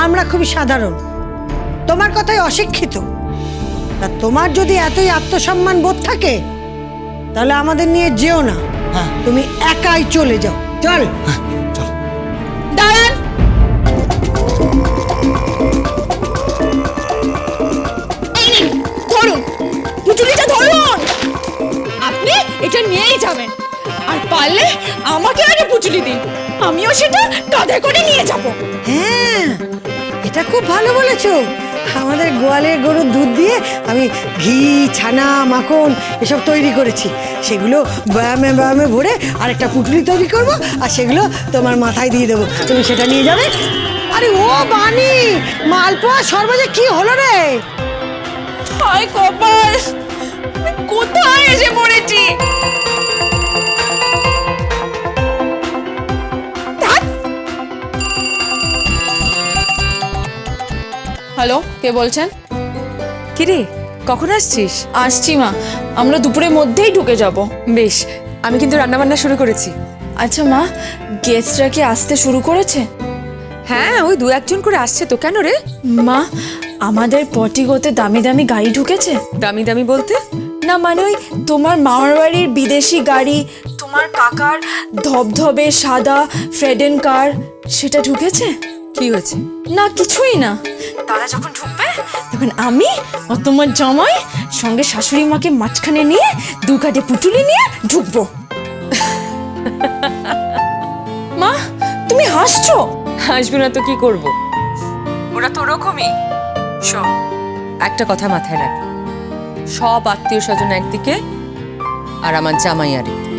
আমরা খুবই সাধারণ, তোমার কথাই অশিক্ষিত। তা তোমার যদি এতই আত্মসম্মান বোধ থাকে তাহলে আমাদের নিয়ে যেও না, তুমি একাই চলে যাও। চল। দাঁড়ান, ধরুন পুতুলিটা ধরুন। আপনি এটা নিয়েই যাবেন, আর পারলে আমাকে আগে পুতুলি দিন, আমিও সেটা কাঁধে করে নিয়ে যাব। হ্যাঁ, এটা খুব ভালো বলেছো। আমাদের গোয়ালের গরুর দুধ দিয়ে আমি ঘি, ছানা, মাখন এসব তৈরি করেছি। সেগুলো বয়ামে বয়ামে ভরে আরেকটা পুটুলি তৈরি করব, আর সেগুলো তোমার মাথায় দিয়ে দেবো, তুমি সেটা নিয়ে যাবে। আরে ও বানি, মালপোয়া সর্বজে কি হলো রে? হায় কপাল, আমি কোথায় এসে পড়েছি। হ্যালো, কে বলছেন? কিরে, কখন আসছিস? আসছি মা, আমরা দুপুরের মধ্যেই ঢুকে যাব। বেশ, আমি কিন্তু রান্নাবান্না শুরু করেছি। আচ্ছা মা, গেস্টরা কি আসতে শুরু করেছে? হ্যাঁ, ওই 2-1 জন করে আসছে তো। কেন রে? মা, আমাদের পটিগোতে দামি দামি গাড়ি ঢুকেছে। দামি দামি বলতে? না মানে ওই তোমার মামার বাড়ির বিদেশি গাড়ি, তোমার কাকার ধবধবে সাদা ফ্রেডেন কার, সেটা ঢুকেছে। কি হয়েছে? না কিছুই না, তারা যখন ঢুকবে তখন আমি ও তোমার জামাই সঙ্গে শাশুড়ি মাকে মাঝখানে নিয়ে 2 কাঠে পুটুলি নিয়ে ঢুকবো। মা, তুমি হাসছো? হাসবি না তো কি করব? ওরা তো ওরকমই। শোন, একটা কথা মাথায় রাখ, সব আত্মীয় স্বজন একদিকে আর আমার জামাই আরেকদিকে।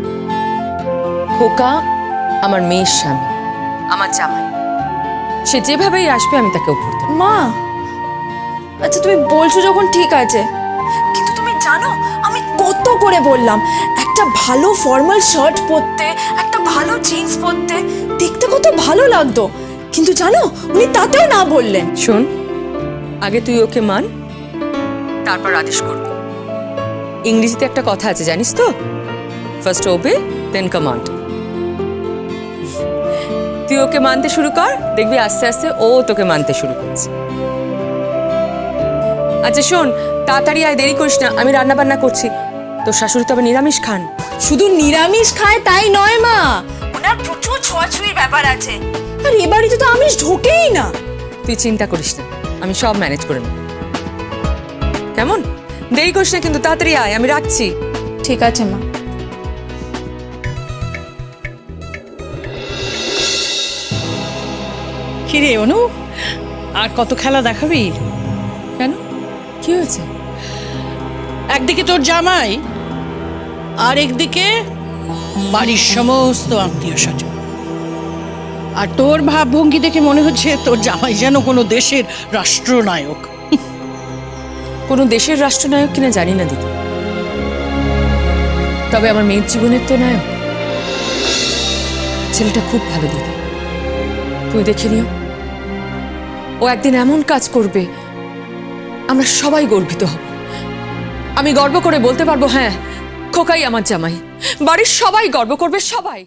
খোকা আমার মেয়ের স্বামী, আমার জামাই, সে যেভাবেই আসবে আমি তাকে উপর দেব। মা, আচ্ছা তুমি বলছো যখন ঠিক আছে, কিন্তু তুমি জানো আমি কত করে বললাম একটা ভালো ফর্মাল শার্ট পরতে, একটা ভালো জিন্স পরতে, দেখতে কত ভালো লাগতো, কিন্তু জানো উনি তাতেও না বললেন। শোন, আগে তুই ওকে মান, তারপর আদেশ করবি। ইংরেজিতে একটা কথা আছে জানিস তো, ফার্স্ট ওবে দেন কমান্ড। তুই ওকে মানতে শুরু কর, দেখবি আস্তে আস্তে ও তোকে মানতে শুরু করছে। আচ্ছা শোন, তাড়াতাড়ি আয়, দেরি করিস না, আমি রান্না বান্না করছি। তোর শাশুড়ি তো আবার নিরামিষ খান। শুধু নিরামিষ খায় তাই নয় মা, ওনার প্রচুর ছোঁয়াছুঁয়ির ব্যাপার আছে, আর এ বাড়িতে তো আমিষ ঢোকেই না। তুই চিন্তা করিস না, আমি সব ম্যানেজ করে নেব। কেমন? দেরি করিস না কিন্তু, তাড়াতাড়ি আয়, আমি রাখছি। ঠিক আছে মা। কিরে অনু, আর কত খেলা দেখাবি? কেন, কি হয়েছে? একদিকে তোর জামাই আর একদিকে বাড়ির সমস্ত আত্মীয় স্বজন, আর তোর ভাবভঙ্গি দেখে মনে হচ্ছে তোর জামাই যেন কোনো দেশের রাষ্ট্রনায়ক। কোনো দেশের রাষ্ট্রনায়ক কিনা জানি না দিদি, তবে আমার মেয়ের জীবনের তো নায়ক। ছেলেটা খুব ভালো দিদি, তুমি দেখে নিও। ও একদিন এমন কাজ করবে আমরা সবাই গর্বিত হব। আমি গর্ব করে বলতে পারবো, হ্যাঁ খোকাই আমার জামাই। বাড়ির সবাই গর্ব করবে, সবাই।